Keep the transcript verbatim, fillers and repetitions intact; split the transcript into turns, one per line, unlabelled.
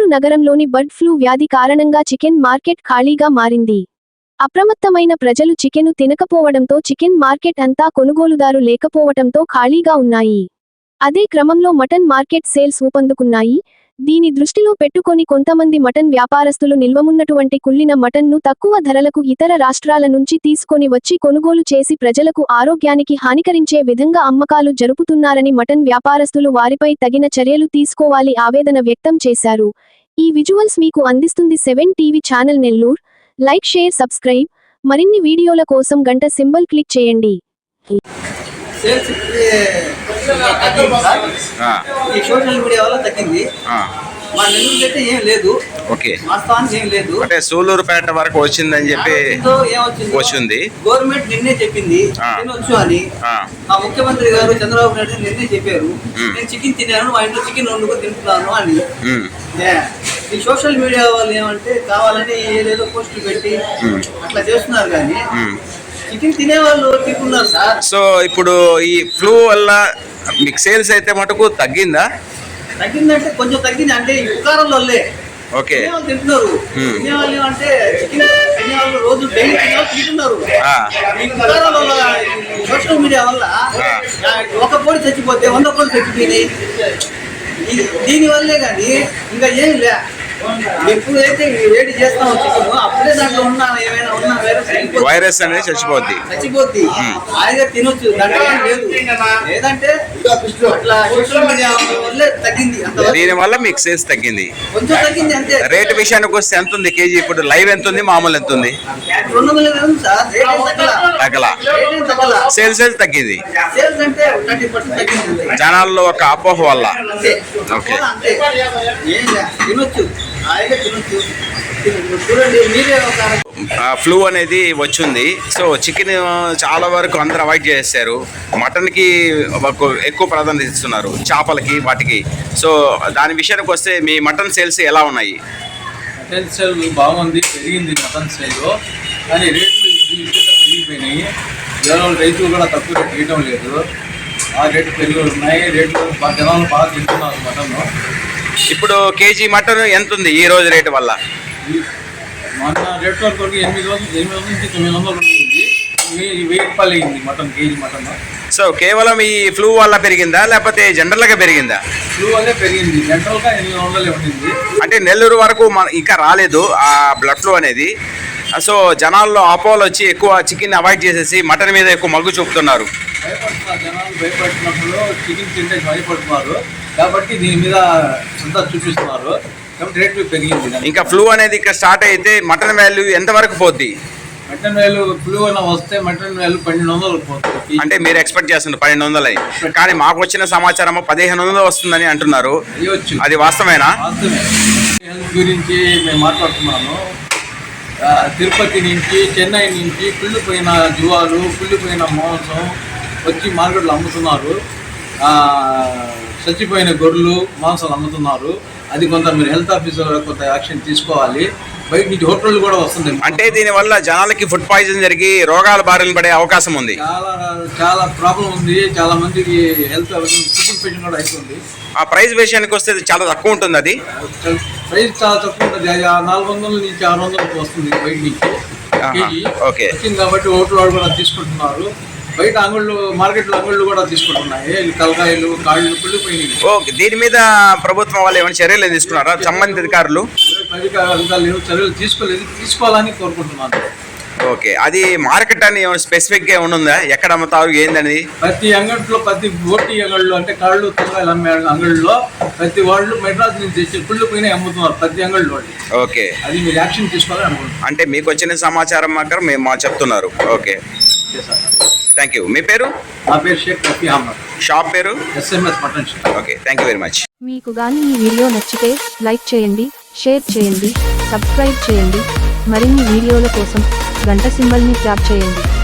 నగరంలోని bird flu వ్యాధి కారణంగా చికెన్ మార్కెట్ ఖాళీగా మారింది. అప్రమత్తమైన ప్రజలు చికెను తినకపోవడంతో చికెన్ మార్కెట్ అంతా కొనుగోలుదారు లేకపోవటంతో ఖాళీగా ఉన్నాయి. అదే క్రమంలో మటన్ మార్కెట్ సేల్స్ ఊపందుకున్నాయి. దీని దృష్టిలో పెట్టుకొని కొంతమంది మటన్ వ్యాపారస్తులు నిల్వమున్నటువంటి కుళ్ళిన మటన్ను తక్కువ ధరలకు ఇతర రాష్ట్రాల నుంచి తీసుకొని వచ్చి కొనుగోలు చేసి ప్రజలకు ఆరోగ్యానికి హానికరించే విధంగా అమ్మకాలు జరుపుతున్నారని మటన్ వ్యాపారస్తులు వారిపై తగిన చర్యలు తీసుకోవాలి ఆవేదన వ్యక్తం చేశారు. ఈ విజువల్స్ మీకు అందిస్తుంది seven TV channel Nellore. Like, share, subscribe. మరిన్ని వీడియోల కోసం గంట సింబల్ క్లిక్ చేయండి.
సోషల్ మీడియా వల్ల తగ్గింది. మా నెల్లూరు అయితే ఏం లేదు.
ఓకే,
వాస్తవానికి ఏం లేదు.
అంటే సూలూరుపేట వరకు వచ్చిందని చెప్పి వచ్చింది.
గవర్నమెంట్ నిన్నే చెప్పింది తినొచ్చు అని. మా ముఖ్యమంత్రి గారు చంద్రబాబు నాయుడు నిన్నే చెప్పారు, నేను చికెన్ తిన్నాను, మా ఇంట్లో చికెన్ వండుకొని తింటున్నాను అని. ఈ సోషల్ మీడియా వాళ్ళు ఏమంటే కావాలని ఏదేదో పోస్టులు పెట్టి అట్లా చేస్తున్నారు కానీ చికెన్ తినే వాళ్ళు తింటున్నారు సార్.
సో ఇప్పుడు ఈ ఫ్లూ వల్ల మీకు సేల్స్ అయితే మటుకు తగ్గిందా?
తగ్గిందంటే కొంచెం తగ్గింది. అంటే ఈ పుకారం వల్లే
ఓకే
తింటున్నారు. తినే వాళ్ళు ఏమంటే చికెన్ తినే వాళ్ళు రోజు డైలీ తినే వాళ్ళు తింటున్నారు. ఈ పుకారం వల్ల సోషల్ మీడియా వల్ల ఒక కోడి చచ్చిపోతే వంద కోడి చచ్చిపోయినాయి. దీని వల్లే కానీ ఇంకా ఏం లే. ఎప్పుడైతే వేడి చేస్తామో చికెన్ అప్పుడే దాంట్లో ఉన్న ఏమైనా ఉన్న వైరస్
వైరస్ అనేది చచ్చిపోద్ది
చచ్చిపోద్ది హాయిగా తినొచ్చు. దాంట్లో ఏం లేదు. లేదంటే అట్లా సోషల్ మీడియా వల్లే తగ్గింది.
దీని వల్ల మీకు సేల్స్ తగ్గింది,
కొంచెం తగ్గింది అంతే.
రేట్ విషయానికి వస్తే ఎంత ఉంది కేజీ? ఇప్పుడు లైవ్ ఎంత ఉంది, మామూలు ఎంత ఉంది?
రెండు వందల ఇరవై ఉంది సార్.
తగ్గలా, సేల్స్ అయితే తగ్గింది.
సేల్స్ అంటే థర్టీ పర్సెంట్ తగ్గింది
జనాల్లో ఒక అపోహ వల్ల. ఓకే,
తినొచ్చు హాయిగా తినొచ్చు. చూడండి మీరే ఒక
ఫ్లూ అనేది వచ్చింది. సో చికెన్ చాలా వరకు అందరూ అవాయిడ్ చేస్తారు. మటన్కి ఎక్కువ ప్రాధాన్యత ఇస్తున్నారు, చేపలకి వాటికి. సో దాని విషయానికి వస్తే మీ మటన్ సేల్స్ ఎలా ఉన్నాయి?
మటన్ సేల్ బాగుంది, పెరిగింది మటన్ సేల్. కానీ రేట్లు పెరిగిపోయినాయి. జనాలు రైతులు కూడా తక్కువ రేటు వేయడం లేదు. ఆ రేట్లు పెరిగి ఉన్నాయి. రేట్లు జనాలు బాగా తింటున్నారు మటన్.
ఇప్పుడు కేజీ మటన్ ఎంత ఉంది ఈ రోజు రేటు వల్ల?
మొన్న రేట్ వరకు ఎనిమిది వందలు ఎనిమిది వందల నుంచి తొమ్మిది వందలు ఉంటుంది. వెయ్యి రూపాయలు అయింది మటన్, కేజీ మటన్.
సో కేవలం ఈ ఫ్లూ వల్ల పెరిగిందా లేకపోతే జనరల్గా పెరిగిందా?
ఫ్లూ వల్లే పెరిగింది. జనరల్గా ఎనిమిది వందలే ఉండింది.
అంటే నెల్లూరు వరకు మన ఇంకా రాలేదు ఆ బ్లడ్ ఫ్లూ అనేది. సో జనాల్లో అపోలో వచ్చి ఎక్కువ చికెన్ అవాయిడ్ చేసేసి మటన్ మీద ఎక్కువ మగ్గు చూపుతున్నారు.
భయపడుతున్నారు జనాలు. భయపడుతున్నప్పుడు చికెన్ తింటే భయపడుతున్నారు కాబట్టి దీని మీద అంతా చూపిస్తున్నారు. కాబట్టి రేట్లు పెరిగింది.
ఇంకా ఫ్లూ అనేది ఇక్కడ స్టార్ట్ అయితే మటన్ వాల్యూ ఎంత వరకు పోద్ది?
మటన్ వాల్యూ ఫ్లూ అయినా వస్తే మటన్ వాల్యూ పన్నెండు వందలు పోతుంది.
అంటే మీరు ఎక్స్పెక్ట్ చేస్తున్నారు పన్నెండు వందలు అయి, కానీ మాకు వచ్చిన సమాచారం పదిహేను వందలు వస్తుందని అంటున్నారు. అది వాస్తవేనా?
వాస్తవమే. హెల్త్ గురించి మేము మాట్లాడుతున్నాను. తిరుపతి నుంచి, చెన్నై నుంచి కుళ్ళిపోయిన జువాలు, కుళ్ళిపోయిన మాంసం వచ్చి మార్కెట్లో అమ్ముతున్నారు. చచ్చిపోయిన గొర్రెలు మాంసాలు అమ్ముతున్నారు. అది కొంత మీరు హెల్త్ ఆఫీసర్ కొంత యాక్షన్ తీసుకోవాలి. బయట నుంచి హోటళ్ళు కూడా వస్తుంది.
అంటే దీనివల్ల జనాలకి ఫుడ్ పాయిజన్ జరిగి రోగాల బారిన పడే అవకాశం ఉంది.
చాలా చాలా ప్రాబ్లం ఉంది. చాలా మందికి హెల్త్ ఫుడ్ ఇన్ఫెక్షన్ కూడా అవుతుంది.
ఆ ప్రైస్ విషయానికి వస్తే చాలా తక్కువ ఉంటుంది. అది
ప్రైస్ చాలా తక్కువ ఉంటుంది. నాలుగు వందల నుంచి ఆరు వందలకు వస్తుంది బయట నుంచి కేజీ.
ఓకే,
వచ్చింది కాబట్టి హోటల్ వాళ్ళు కూడా తీసుకుంటున్నారు. బయట అంగళ్ళు, మార్కెట్లో అంగళ్ళు కూడా తీసుకుంటున్నాయి. తలకాయలు, కాళ్ళు కుళ్ళిపోయినాయి.
ఓకే, దీని మీద ప్రభుత్వం వాళ్ళు ఏమైనా చర్యలు తీసుకున్నారా సంబంధిత అధికారులు?
అధికారులు చర్యలు తీసుకోలేదు, తీసుకోవాలని కోరుకుంటున్నాను.
ఓకే, అది మార్కెట్ అని స్పెసిఫిక్గా ఏమైనా ఉందా? ఎక్కడ అమ్ముతారు ఏందని?
ప్రతి అంగట్లో, ప్రతి ఓటీ అంగళ్ళు అంటే కాళ్ళు తలకాయలు అమ్మే అంగళ్ళలో ప్రతి వాళ్ళు మెడ్రాస్ నుంచి తెచ్చి కుళ్ళిపోయినా అమ్ముతున్నారు ప్రతి అంగళ్ళు వాళ్ళు. ఓకే, అది మీరు యాక్షన్ తీసుకోవాలని అనుకుంటున్నాను.
అంటే మీకు వచ్చిన సమాచారం మాత్రం మేము మా చెప్తున్నారు. Okay, thank you. మీ పేరు?
నా పేరు షేక్ రఫీ అహ్మద్.
షాప్ పేరు?
SMS mutton shop.
Okay, thank you very much.
మీకు గాని ఈ వీడియో నచ్చితే లైక్ చేయండి, షేర్ చేయండి, సబ్స్క్రైబ్ చేయండి. మరిన్ని వీడియోల కోసం గంట సింబల్ని ట్యాప్ చేయండి.